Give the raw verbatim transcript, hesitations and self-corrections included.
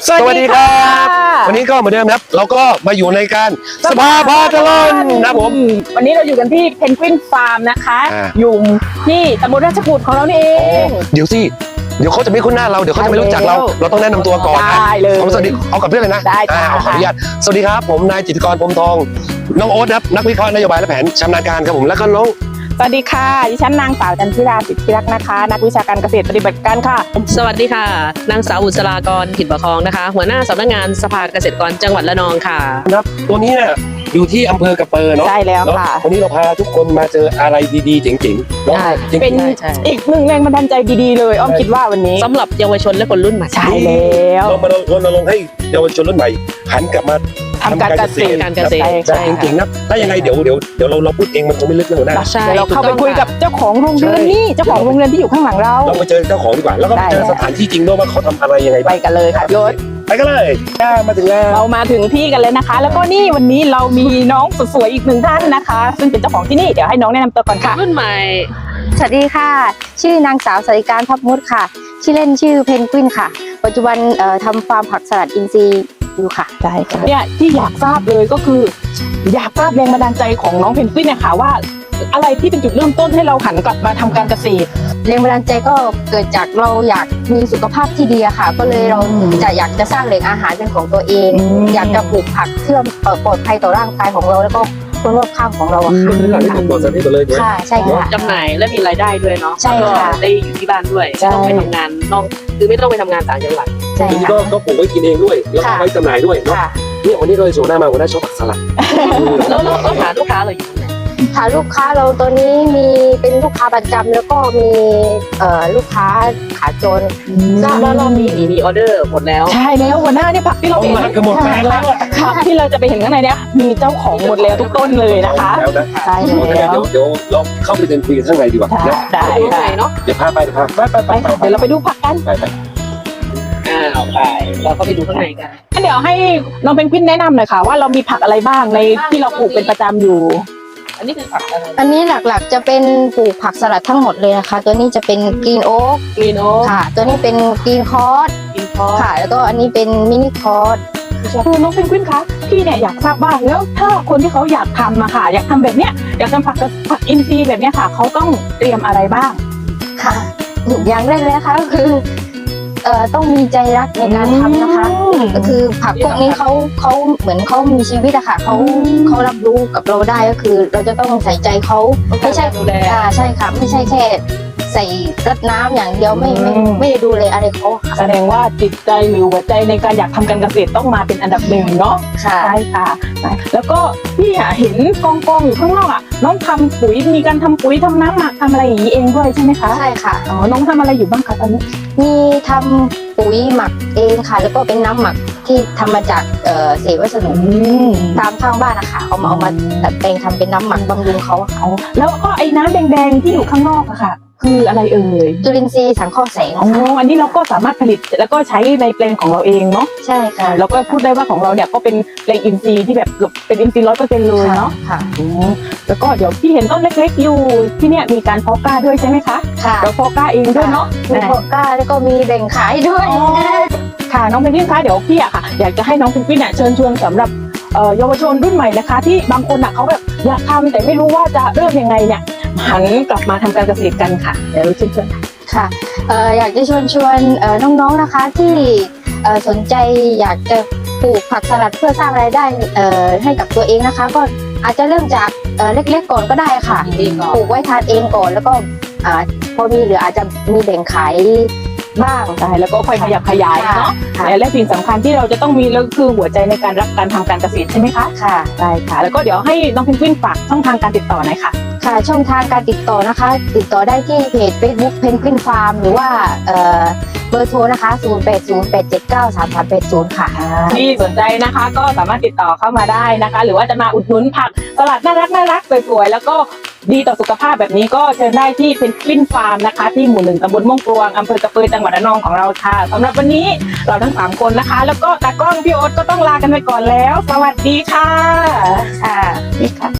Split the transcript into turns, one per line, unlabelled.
สวัสดีครับวันนี้ก็เหมือนเดิมครับเราก็มาอยู่ในการสภาพาตลอดนะผม
วันนี้เราอยู่กันที่เพนกวินฟาร์มนะคะอยู่ที่ตำบลราชกุฏของเรานี่เอง
เดี๋ยวสิเดี๋ยวเขาจะไม่คุ้นหน้าเราเดี๋ยวเขาจะไม่รู้จักเราเราต้องแนะนำตัวก่อนนะเอาสวัสดีเอากับเพื่อนเลยนะ
ได้
ขออนุญาตสวัสดีครับผมนายจิตรกรพรหมทองน้องโอ๊ตครับนักวิเคราะห์นโยบายและแผนชำนาญการครับผมแล้วก็น้อง
สวัสดีค่ะดิฉันนางสาวจันทิราสิทธิรักษ์นะคะนักวิชาการเกษตรปฏิบัติการค่ะ
สวัสดีค่ะนางสาวอุศรากรถิ่นประคองนะคะหัวหน้าสำนักงานสภาเกษตรกรจังหวัดระนองค่ะ
ครับตัวนี้เนี่ยอยู่ที่อำเภอกระเปอเนาะ
ใช่แล้วค่ะ
วันนี้เราพาทุกคนมาเจออะไรดีๆเจ๋งๆเนาะ
เป็นอีกหนึ่งแรงบันดาลใจดีๆเลยอ้อมคิดว่าวันนี้
สำหรับเยาวชนและคนรุ่นใหม่
ใช่แล้ว
เรามารณรงค์ให้เยาวชนรุ่นใหม่หันกลับมา
ทำการเกษตร
การเกษตร
ใช่จริงๆนะถ้ายังไงเดี๋ยวเดี๋ยวเดี๋ยวเราเราพูดเองมันคงไม่ลึกเลยนะ
เดี๋ยวเราเข้าไปคุยกับเจ้าของโรงเรือนนี่เจ้าของโรงเรือนที่อยู่ข้างหลังเรา
เราไปเจอเจ้าของดีกว่าแล้วก็ไปเจอสถานที่จริงด้วยว่าเขาทำอะไรยังไง
ไปกันเลยค่ะยศ
ไปกันเลยมาถึงแล้ว
เรามาถึงที่กันเลยนะคะแล้วก็นี่วันนี้เรามีน้องสวยๆอีกหนึ่งท่านนะคะซึ่งเป็นเจ้าของที่นี่เดี๋ยวให้น้องแนะนำตัวก่อนค่ะ
รุ่นใหม่
สวัสดีค่ะชื่อนางสาวสริการทับมุดค่ะชื่อเล่นชื่อเพนกวินค่ะปัจจุบันเอ่อทำฟาร์มผักสลัดอินทรีย์อยู่ค่ะ
ใช่ค่ะเนี่ยที่อยากทราบเลยก็คืออยากทราบแรงบันดาลใจของน้องเพนกวินเนี่ยค่ะว่าอะไรที่เป็นจุดเริ่มต้นให้เราหันกลับมาทำการเกษตร
แรงบันดาลใจก็เกิดจากเราอยากมีสุขภาพที่ดีค่ะก็เลยเราจะอยากจะสร้างแหล่งอาหารเป็นของตัวเองอยากจะปลูกผักเพื่อปลอดภัยต่อร่างกายของเราแล้วก็คนรอบข้างของเราค่ะค่ะใช่ค่ะ
จำหน่ายและมีรายได้ด้วยเนาะ
ใช่ค่ะ
ได้อยู่ที่บ้านด้วยไม่ต้องไปทำงานนอกคือไม่ต้องไปทำงานต่างจังหวัด
ใช่ค่ะ
ก็ปลูกไว้กินเองด้วยแล้วก็ไว้จำหน่ายด้วยเนาะเนี่ยวันนี้เราโชว์หน้ามาวันนี้ชอบผักสลัด
แล้วเราหาลูกค้าเราอยู่ไหน
หาลูกค้าเราตัวนี้มีเป็นลูกค้าประจำแล้วก็มีเอ่อลูกค้าขาจน
แล้วเรามีมีออเดอร์หมดแล้ว
ใช่แล้วหัวหน้าเนี่ยผักที่เราเห็น
คือหมดแปลงแล้ว
ผักที่เราจะไปเห็นข้างในเนี่ยมีเจ้าของหมดแล้วทุกต้นเลยนะคะ
ใช่แล้วเดี๋ยวเดี๋ยวเราเข้าไปเดินคุยกันข้างในดีกว่า
ได้ได้
เนาะ
เดี๋ยวพาไปพาไปไปไป
เดี๋ยวเราไปดูผักกัน
ไปไป
อ้าวไปเราก็ไปดูข้างในกัน
เดี๋ยวให้น้องเพนกวินแนะนำหน่อยค่ะว่าเรามีผักอะไรบ้างในที่เราปลูกเป็นประจำอยู่
อันนี้คือผักอะไร
อันนี้หลักๆจะเป็นปลูกผักสลัดทั้งหมดเลยนะคะตัวนี้จะเป็นกรีนโอ๊ก
กรีนโอ๊ก
ค่ะตัวนี้เป็นกรีนคอร์ส
กรีนคอร์ส
ค่ะแล้วก็อันนี้เป็นมินิคอร์ส
คือน้องเพนกวินคะพี่เนี่ยอยากทราบบ้างแล้วถ้าคนที่เขาอยากทำอะค่ะอยากทำแบบเนี้ยอยากทำผักผักอินทรีย์แบบเนี้ยค่ะเขาต้องเตรียมอะไรบ้าง
ค่ะอย่างแรกเลยนะคะก็คือเอ่อต้องมีใจรักในการทำนะคะก็คือผักพวกนี้เขาเขาเหมือนเขามีชีวิตอะค่ะเขาเขารับรู้กับเราได้ก็คือเราจะต้องใส่ใจเขาไม่ใช่อ่าใช่ค่ะไม่ใช่แค่ใส่รดน้ำอย่างเดียวไม่ไม่ไม่ได้ดูเลยอะไรเขา
แสดงว่าจิตใจหรือหัวใจในการอยากทำการเกษตรต้องมาเป็นอันดับหนึ่งเนาะ
ใช่
ค่ะแล้วก็พี่เห็นกองกองอยู่ข้างนอกอ่ะน้องทำปุ๋ยมีการทำปุ๋ยทำน้ำหมักทำอะไรอย่างนี้เองด้วยใช่ไหมคะ
ใช่ค่ะ
อ๋อน้องทำอะไรอยู่บ้างคะตอนนี้
มีทำปุ๋ยหมักเองค่ะแล้วก็เป็นน้ำหมักที่ทำมาจากเอ่อเศษวัสดุตามข้างบ้านนะคะเอามาเอามาดัดแปลงทำเป็นน้ำหมักบำรุงเขา
เขาแล้วก็ไอ้น้ำแดงๆที่อยู่ข้างนอกอะค่ะคืออะไรเอ่ย
จุลินทรีย์สังเคราะห์แสง
อ๋ออันนี้เราก็สามารถผลิตแล้วก็ใช้ในแปลงของเราเองเนาะ
ใช่ค่ะ
แล้วก็พูดได้ว่าของเราเนี่ยก็เป็นแปลงอินทรีย์ที่แบบเป็นอินทรีย์ร้อยเปอร์เซ็นต์เลยเนาะ
ค่ะ
แล้วก็เดี๋ยวพี่เห็นต้นเล็กๆอยู่ที่เนี่ยมีการเพาะกล้าด้วยใช่ไหมคะ
ค่ะ
เราเพาะกล้าเองด้วยเนาะ
มีเพาะกล้าแล้วก็มีแบ่งขายด้วย
ค่ะน้องเพนกวินคะเดี๋ยวพี่อะค่ะอยากจะให้น้องเพนกวินเนี่ยเชิญชวนสำหรับเยาวชนรุ่นใหม่นะคะที่บางคนอะเขาแบบอยากทำแต่ไม่รู้ว่าจะเริ่มยังไงเนี่ยหันกลับมาทำการเกษตรกันค่ะเดี๋ยวเชิญชวน
ค่ะอยากจะชวนชวนน้องๆนะคะที่สนใจอยากจะปลูกผักสลัดเพื่อสร้างรายได้ให้กับตัวเองนะคะก็อาจจะเริ่มจากเล็กๆก่อนก็ได้ค่ะปลูกไว้ทานเองก่อนแล้วก็พอมีเหลืออาจจะมีแบ่งขายบ้าง
ใช่แล้วก็ค่อยขยับขยายเนาะและสิ่งสำคัญที่เราจะต้องมีก็คือหัวใจในการรักการทำการเกษตรใช่ไหมคะ
ค่ะ
ได้ค่ะแล้วก็เดี๋ยวให้น้องเพนกวินฝากช่องทางการติดต่อหน่อยค่ะ
ค่ะช่องทางการติดต่อนะคะติดต่อได้ที่เพจ Facebook เพนกวินฟาร์มหรือว่าเบอร์โทรนะคะศูนย์ แปด ศูนย์ แปด เจ็ด เก้า สาม สาม แปด ศูนย์ค่ะ
ที่สนใจนะคะก็สามารถติดต่อเข้ามาได้นะคะหรือว่าจะมาอุดหนุนผักสลัดน่ารักน่ารักสวยๆแล้วก็ดีต่อสุขภาพแบบนี้ก็เชิญได้ที่เพนกวินฟาร์มนะคะที่หมู่หนึ่งตำบลม่วงกรวงอำเภอกระเปยจังหวัดระนองของเราค่ะสำหรับวันนี้เราทั้งสามคนนะคะแล้วก็ตากล้องพี่โอ๊ตก็ต้องลากันไปก่อนแล้วสวัสดีค่ะ
ค่ะ